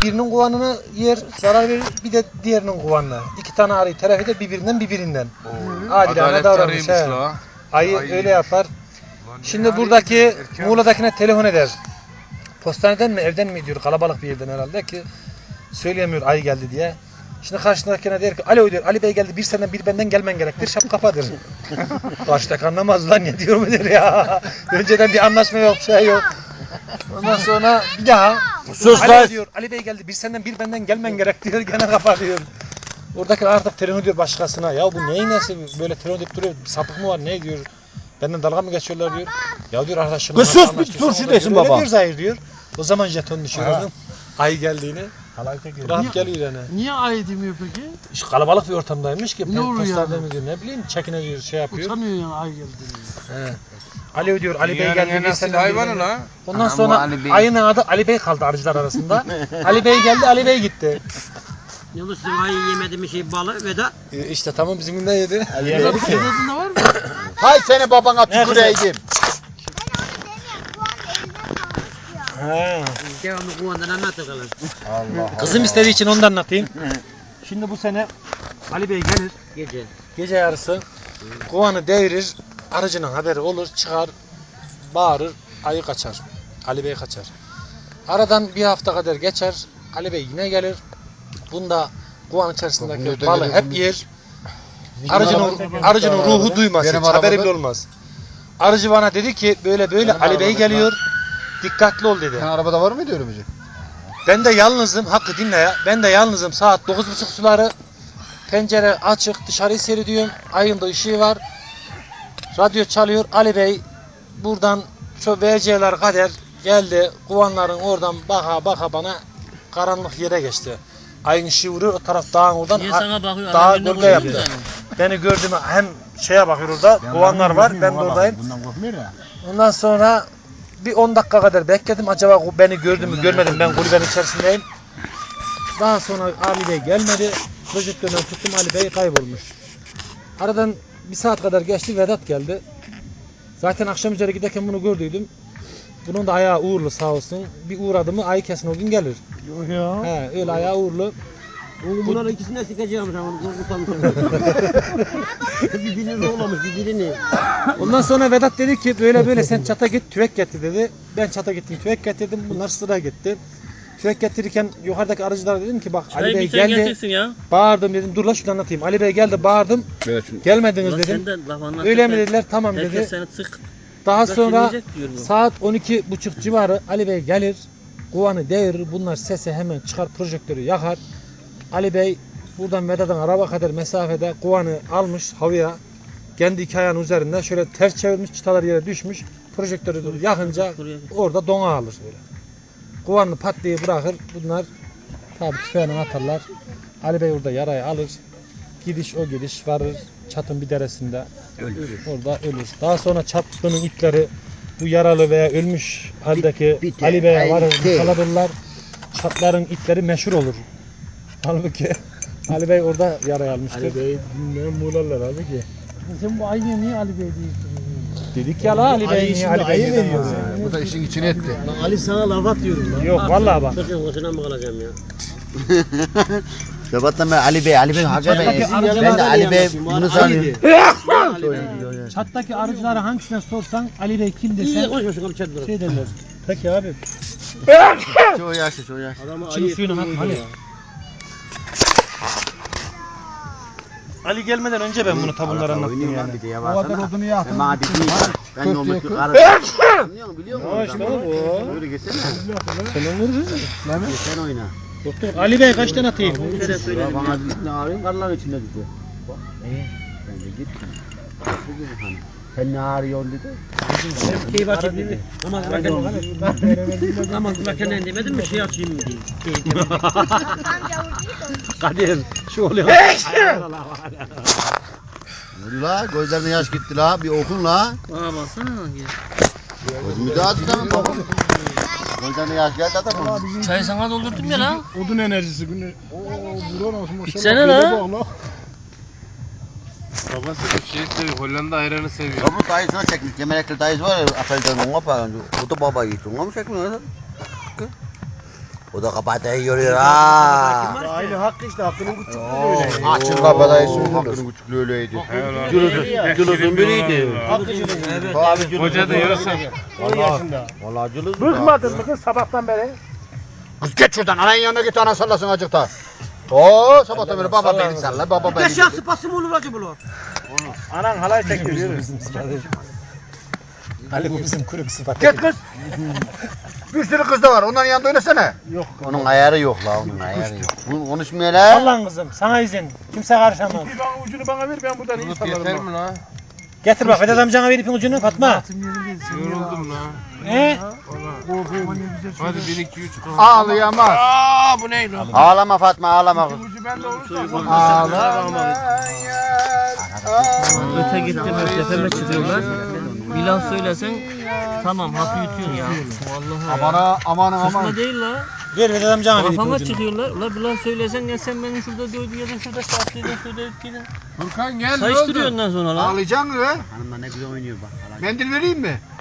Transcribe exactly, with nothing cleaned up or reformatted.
birinin kovanını yer, zarar verir, bir de diğerinin kovanına. İki tane arıyı telef eder, birbirinden birbirinden. Adilane davranmış. He. Ayı Ay. öyle yapar. Lan Şimdi buradaki Muğla'dakine telefon eder. Postaneden mi, evden mi diyor, kalabalık bir yerden herhalde ki söyleyemiyor ayı geldi diye. Şimdi karşındakine der ki, alo diyor, Ali Bey geldi, bir senden bir benden gelmen gerektir, şap kapadır. Karşıdaki anlamaz lan, ne diyor mu der ya. Önceden bir anlaşma yok, şey yok. Ondan sonra bir daha, sus Ali diyor, Ali Bey geldi, bir senden bir benden gelmen gerek diyor, gene kapatıyor. Oradaki artık telefon diyor başkasına, ya bu neyin nesi, böyle telefon edip duruyor, sapık mı var, ne diyor. Benden dalga mı geçiyorlar diyor. Ya diyor arkadaşım. Kız sus bir turşu desin baba. Öyle diyor Zahir diyor. O zaman jeton düşürürdüm. Ayı geldiğini. Rahat geliyor yani. Niye ayı demiyor peki? İşte kalabalık bir ortamdaymış ki. Ne oluyor yani? Diyor, ne bileyim çekine diyor, şey yapıyor. Utanıyor yani ayı geldiğini. He. Ali diyor, Ali Bey geldi. Bir sene hayvanı la. Ondan sonra ayının adı Ali Bey kaldı arıcılar arasında. Ali Bey geldi, Ali Bey gitti. Yalnız sizin ayı yemedi mi şey balı Vedat? E işte tamam bizim de yedi. Yemedi ki. Vedat'ın var mı? Hay seni babana tüküreydim. He. Devamlı kuvandan anlat bakalım. Allah Kızım istediği için onu da anlatayım. Şimdi bu sene Ali Bey gelir. Gece. Gece yarısı kovanı devirir. Arıcının haberi olur. Çıkar. Bağırır. Ayı kaçar. Ali Bey kaçar. Aradan bir hafta kadar geçer. Ali Bey yine gelir. Bunda kovan içerisindeki balı hep yer. Arıcının, arıcının ruhu duymaz. Hiç haberi bile olmaz. Arıcı bana dedi ki böyle böyle Ali Bey geliyor. Dikkatli ol dedi. Sen arabada var mıydı öyle bir şey? Ben de yalnızım. Hakkı dinle ya. Ben de yalnızım. Saat dokuz buçuk suları. Pencere açık. Dışarıyı seyrediyorum. Ayın da ışığı var. Radyo çalıyor. Ali Bey buradan şu V C'ler kader geldi. Kovanların oradan baka baka bana karanlık yere geçti. Ayın ışığı vuruyor. O taraf dağın oradan. Niye sana bakıyor? Dağ gölge yaptı. Beni gördü mü hem şeye bakıyor orada. Kovanlar var. Ben de oradayım. Bundan korkmuyor ya. Ondan sonra bir on dakika kadar bekledim. Acaba beni gördü mü görmedim. Ben kulübenin içerisindeyim. Daha sonra Ali Bey gelmedi. Projektörden tuttum, Ali Bey kaybolmuş. Aradan bir saat kadar geçti. Vedat geldi. Zaten akşam üzeri giderken bunu gördüydüm. Bunun da ayağı uğurlu sağ olsun. Bir uğradı mı ayı kesin o gün gelir. Yok ya. He, öyle ayağı uğurlu. Oğlum bunların ikisini de sikeceğim sen onu korkutalım. Birbirini oğlamış birbirini. Ondan sonra Vedat dedi ki böyle böyle sen çata git tüfek getir dedi. Ben çata gittim tüfek getirdim. Bunlar sıra gitti. Tüfek getirirken yukarıdaki arıcılara dedim ki bak Ali Bey geldi. Ya. Bağırdım dedim. Dur la şunu anlatayım. Ali Bey geldi bağırdım. Gelmediniz dedim. Öyle mi dediler? Tamam dedi. Herkes seni sık. Daha sonra saat on iki buçuk civarı Ali Bey gelir. Kovanı devirir. Bunlar sese hemen çıkar projektörü yakar. Ali Bey buradan Vedat'ın araba kadar mesafede kovanı almış havaya. Kendi iki ayağının üzerinde şöyle ters çevirmiş, çıtalar yere düşmüş. Projektörü yakınca orada dona alır böyle. Kovanı pat diye bırakır. Bunlar tabi tüfeğini atarlar. Ali Bey orada yarayı alır. Gidiş o gidiş varır. Çatın bir deresinde ölür. Orada ölür. Daha sonra çatının ipleri bu yaralı veya ölmüş haldeki bit, bit, Ali Bey'e varır. Kalabilirler. Çatların ipleri meşhur olur. Halbuki Ali Bey orada yarayı almıştır. Ali Bey dinleyen Muğla'lar abi ki. Sen bu ayıya niye Ali Bey diyorsun? Dedik ya la Ali Bey niye Ali Bey diyor. Bu da işin içine etti. Lan Ali sana laf atıyorum lan. Yok vallahi bak. Çocuğun hoşuna mı kalacağım ya? Sabahtan ben Ali Bey, Ali Bey hakikaten ben de Ali Bey bunu sanıyorum. Çattaki arıcılara hangisine sorsan Ali Bey kim İyi desen konuşma şunu çatlara. şey derler. Peki abi. Çoğu yaşlı, çoğu yaşlı. Şimdi suyunu at Ali. Ali gelmeden önce ben bunu tabunlara anlattım yani. O kadar odunu yaktın. Ben de ben olmak karı. Biliyor biliyor musun? Ya işte bu. Böyle geçsene. Sen onu Sen oyna. Doktor Ali Bey kaç tane atayım? Ya bana ne arıyorsun? Karlar içinde dedi. Ben de gittim. Hani sen ne arıyorsun dedi. Hem keyif açayım dedi. Namaz kılarken namaz kılarken ne demedin mi şey açayım mı diye. Kadir şu oluyor. La gözlerine yaş gitti la bir okun la. Aa baksana. Gözümü de açtım bakın. Gözlerine yaş geldi adamım. Çayı sana doldurdum ya la. Odun enerjisi günü. Ooo buran olsun maşallah. İçsene la. Babası bir şey seviyor. Hollanda ayranı seviyor. Ya bu dayısına çekmiş. Gemelekli dayısı var ya. Apelden ona falan. O da baba yiğit. Ona mı çekmiyor? O da kabadayı yoruyor ha. Aynı hakkı işte hakkının küçüklüğü Oo, öyle. Açın kabadayı söylüyor. Hakkının küçüklüğü öyleydi. Cülüzün, Cülüzün biriydi. Evet. Hoca da yarasa. on yaşında. Vallahi cülüz. Bıkmadın mı kız sabahtan beri? Kız geç şuradan ananın yanına git ana sallasın acıkta. Oo sabahtan beri baba beni salla baba beni. Beş yaş sıpası mı olur acaba bu? Anan halay çekiyor. yürü. Ali bu bizim kuru sıfat. Git kız. Bir sürü kız da var onların yanında oynasana. Yok. Onun ayarı yok la onun ayarı yok. Bunu konuşmuyor la. Sallan kızım sana izin. Kimse karışamaz. Bir bana ucunu bana ver ben buradan iyi Bulut yeter sallarım. mi lan? Getir bak Vedat amcana ver ipin ucunu Fatma. Yoruldum lan. He? Hadi bir iki üç. Ağlayamaz. Aa bu ne lan? Ağlama Fatma ağlama. Ucu bende olursa Ağlama. Öte gittim tepeme çıkıyorlar. Bir laf söylesen tamam hapı yutuyorsun ya. Vallahi. Amana amanın Kısma aman. değil la. Ver Vedat amcana ver ipin Kafama ucunu. çıkıyorlar. Ula bir laf söylesen ya sen beni şurada dövdün ya da şurada şartlıydın şurada etkiydin. Furkan gel ne Sayıştırıyor oldu? ondan sonra la. Ağlayacaksın mı? Hanımlar ne güzel oynuyor bak. Mendil vereyim mi?